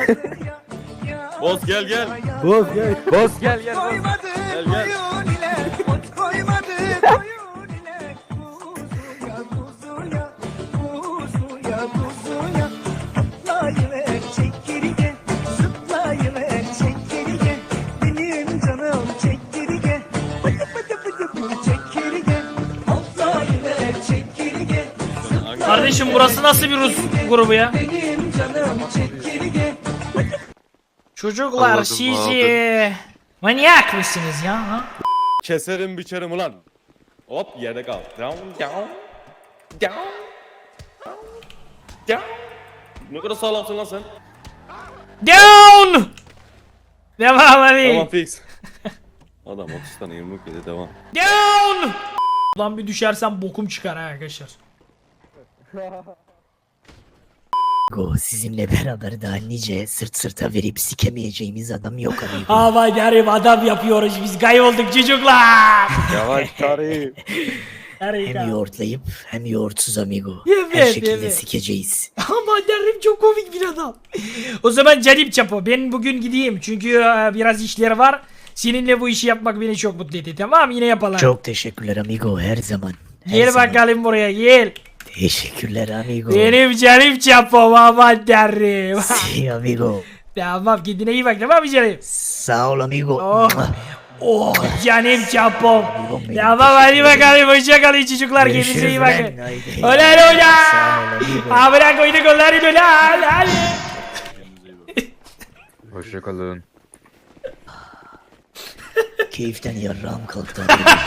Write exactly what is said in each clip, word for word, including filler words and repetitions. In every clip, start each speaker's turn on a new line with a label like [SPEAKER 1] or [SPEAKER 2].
[SPEAKER 1] Boz gel gel.
[SPEAKER 2] Boz gel.
[SPEAKER 1] Boz gel gel. Boz. Gel gel.
[SPEAKER 3] Kardeşim burası nasıl bir Rus grubu ya? Çocuklar
[SPEAKER 1] Anladım,
[SPEAKER 3] siz manyak mısınız ya? Ha?
[SPEAKER 1] Keserim biçerim ulan. Hop yerde kal. Down down. Down. Down. Ne kadar sağlamsın lan sen.
[SPEAKER 3] Down! Devam hadi.
[SPEAKER 1] Tamam fix. Adam otuz tane yumruk yedi devam.
[SPEAKER 3] Down! Ulan bir düşersem bokum çıkar ha arkadaşlar.
[SPEAKER 4] Go, sizinle beraber daha nice sırt sırta verip sikemeyeceğimiz adam yok amigo.
[SPEAKER 3] Aman yarım adam yapıyoruz biz kaybolduk çocuklar.
[SPEAKER 2] Yavaş tarih.
[SPEAKER 4] Hem yoğurtlayıp hem yoğurtsuz amigo.
[SPEAKER 3] Evet,
[SPEAKER 4] Her şekilde
[SPEAKER 3] evet.
[SPEAKER 4] sikeceğiz.
[SPEAKER 3] Aman yarım çok komik bir adam. O zaman canım çapo ben bugün gideyim çünkü e, biraz işler var. Seninle bu işi yapmak beni çok mutlu etti, tamam yine yapalım.
[SPEAKER 4] Çok teşekkürler amigo, her zaman. Her
[SPEAKER 3] Gel
[SPEAKER 4] zaman.
[SPEAKER 3] bakalım buraya gel.
[SPEAKER 4] Teşekkürler amigo.
[SPEAKER 3] Benim canım çapom aman tanrım.
[SPEAKER 4] Si amigo.
[SPEAKER 3] Tamam kendine iyi bak tamam mı canım?
[SPEAKER 4] Sağ ol amigo.
[SPEAKER 3] Oh. Oh canım çapom.
[SPEAKER 4] benim.
[SPEAKER 3] Tamam hadi bakalım hoşça kalın çocuklar kendinize
[SPEAKER 4] Görüşürüz
[SPEAKER 3] iyi
[SPEAKER 4] lan.
[SPEAKER 3] bakın.
[SPEAKER 4] Haydi.
[SPEAKER 3] Ulan
[SPEAKER 4] Sağ
[SPEAKER 3] ulan.
[SPEAKER 4] ol amigo.
[SPEAKER 3] Abra koyduk onları ulan hadi.
[SPEAKER 2] Hoşçakalın.
[SPEAKER 4] Keyiften yarrağım kalktı.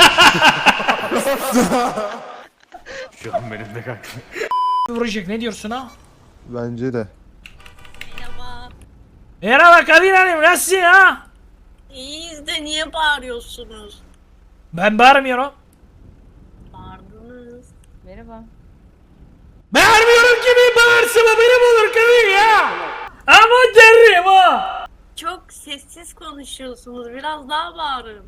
[SPEAKER 2] Şu an benim de kalktı.
[SPEAKER 3] Vuracak ne diyorsun ha?
[SPEAKER 5] Bence de.
[SPEAKER 6] Merhaba.
[SPEAKER 3] Merhaba Kadir Hanım nasılsın ha?
[SPEAKER 6] İyiyiz de niye bağırıyorsunuz?
[SPEAKER 3] Ben bağırmıyorum.
[SPEAKER 6] Bağırdınız.
[SPEAKER 7] Merhaba.
[SPEAKER 3] Bağırmıyorum ki bir bağırsam benim olur Kadir ya. Aman tanrım ha.
[SPEAKER 6] Çok sessiz konuşuyorsunuz. Biraz daha bağırın.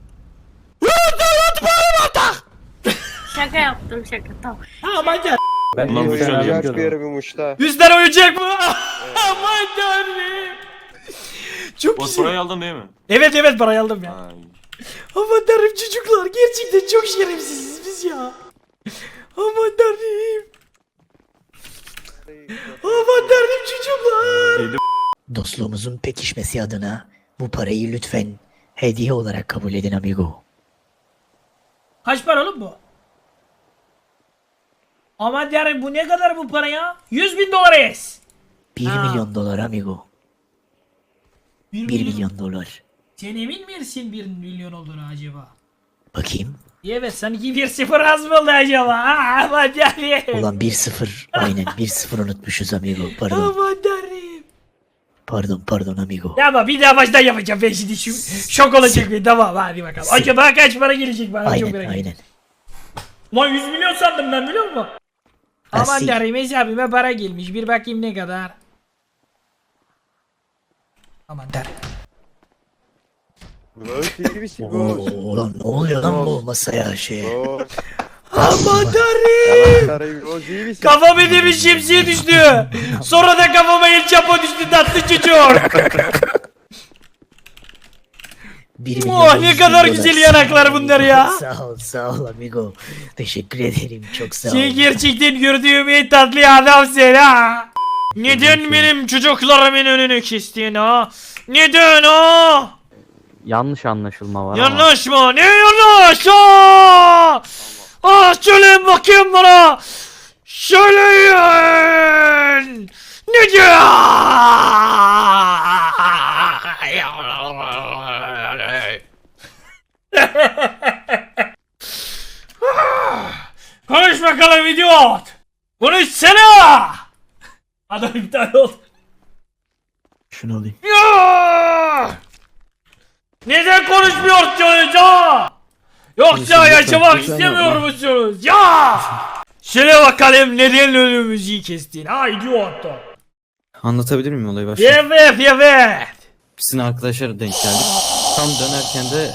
[SPEAKER 6] Şaka yaptım şaka tamam.
[SPEAKER 3] Aman tanrım.
[SPEAKER 2] Ben
[SPEAKER 1] Ulan bu şöyle
[SPEAKER 2] bir yere bir muşta.
[SPEAKER 3] Yüzden oyuncak mı? Aman tanrım. Çok
[SPEAKER 1] Boz
[SPEAKER 3] güzel.
[SPEAKER 1] parayı aldın değil mi?
[SPEAKER 3] Evet evet parayı aldım ya.
[SPEAKER 1] Ay.
[SPEAKER 3] Aman tanrım çocuklar gerçekten çok şerefsiziz biz ya. Aman tanrım. Aman tanrım çocuklar.
[SPEAKER 4] Dostluğumuzun pekişmesi adına bu parayı lütfen hediye olarak kabul edin amigo.
[SPEAKER 3] Kaç para oğlum bu? Aman tanrım bu ne kadar bu para ya? yüz bin dolar es.
[SPEAKER 4] Bir
[SPEAKER 3] Ha.
[SPEAKER 4] milyon dolar amigo. Bir milyon dolar.
[SPEAKER 3] Sen emin misin bir milyon olduğunu acaba?
[SPEAKER 4] Bakayım.
[SPEAKER 3] Evet sanki bir sıfır az mı oldu acaba? Aa, aman tanrım.
[SPEAKER 4] Ulan bir sıfır. Aynen bir sıfır unutmuşuz amigo. Pardon.
[SPEAKER 3] Aman tanrım.
[SPEAKER 4] Pardon pardon amigo.
[SPEAKER 3] Ya ama bir daha baştan yapacağım ben şimdi şu şok olacak bir tamam hadi bakalım. Acaba kaç para gelecek bana çok
[SPEAKER 4] Aynen
[SPEAKER 3] merak ediyorum.
[SPEAKER 4] aynen.
[SPEAKER 3] Lan yüz milyon sandım ben biliyor musun? Aman
[SPEAKER 4] Asil.
[SPEAKER 3] tanrım hesabıma para gelmiş bir bakayım ne kadar. Aman tanrım.
[SPEAKER 2] Böyle iyi bir şey
[SPEAKER 4] Oo,
[SPEAKER 2] bu.
[SPEAKER 4] ulan ne oluyor lan bu masaya şey.
[SPEAKER 3] Aman tanrım.
[SPEAKER 2] Tarih bu iyi bir şey.
[SPEAKER 3] Kafam edemiş şemsiye düştü. Sonra da kafama el çapo düştü tatlı çocuk.
[SPEAKER 4] Bir milyon
[SPEAKER 3] Oh ne
[SPEAKER 4] yüz
[SPEAKER 3] kadar
[SPEAKER 4] bin
[SPEAKER 3] güzel
[SPEAKER 4] dolar.
[SPEAKER 3] yanaklar bunlar ya.
[SPEAKER 4] Sağ ol sağ ol amigo. Teşekkür ederim çok sağ ol.
[SPEAKER 3] Sen gerçekten gördüğüm en tatlı adamsın ha. Neden benim çocuklarımın önünü kestin ha? Neden ha?
[SPEAKER 8] Yanlış anlaşılma var ama.
[SPEAKER 3] Yanlış mı? Ne yanlış? Aa! Ah söyleyin bakayım bana. Söyleyin. Ne diyor? Konuş bakalım idiot. Konuşsana. Adam iptal oldu.
[SPEAKER 4] Şunu alayım.
[SPEAKER 3] Ya! Neden konuşmuyorsunuz ha? Yoksa yaşamak istemiyor musunuz? Ya! Söyle bakalım neden önümüzü kestin? Ha idiot.
[SPEAKER 9] Anlatabilir miyim olayı başta?
[SPEAKER 3] Evet evet.
[SPEAKER 9] Sizin arkadaşlara denk geldik. Tam dönerken de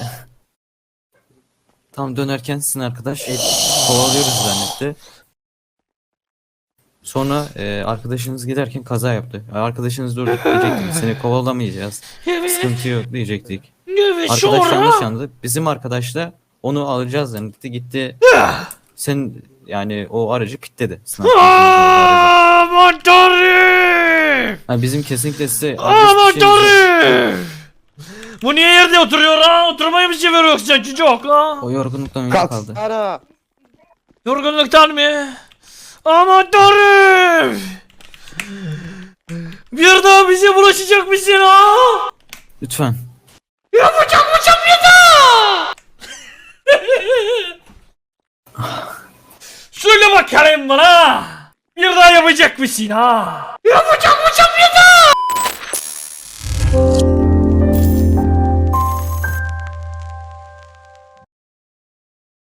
[SPEAKER 9] tam dönerken sizin arkadaş kovalıyoruz zannetti. Sonra e, arkadaşınız giderken kaza yaptı. Arkadaşınız durdup diyecektik seni kovalamayacağız.
[SPEAKER 3] Evet.
[SPEAKER 9] Sıkıntı yok diyecektik.
[SPEAKER 3] Evet
[SPEAKER 9] Arkadaş yanlış
[SPEAKER 3] sonra.
[SPEAKER 9] anladı. Bizim arkadaş da onu alacağız zannetti. Gitti. Sen yani o aracı pitledi. Sınav sonucunda o aracı.
[SPEAKER 3] Aman tanrım.
[SPEAKER 9] Ha, bizim kesinlikle size
[SPEAKER 3] Aman
[SPEAKER 9] adres bir şey-
[SPEAKER 3] tanrım. Bu niye yerde oturuyor ha? Oturmayı mı seviyor yoksa çocuk ha?
[SPEAKER 9] O yorgunluktan önce
[SPEAKER 2] Kalk.
[SPEAKER 9] kaldı.
[SPEAKER 2] Ara.
[SPEAKER 3] Yorgunluktan mı? Aman tanrım. Bir daha bize bulaşacak mısın ha?
[SPEAKER 9] Lütfen.
[SPEAKER 3] Yapacak mısın bir daha? Söyle bakalım bana. Bir daha yapacak mısın ha? Yapacak mısın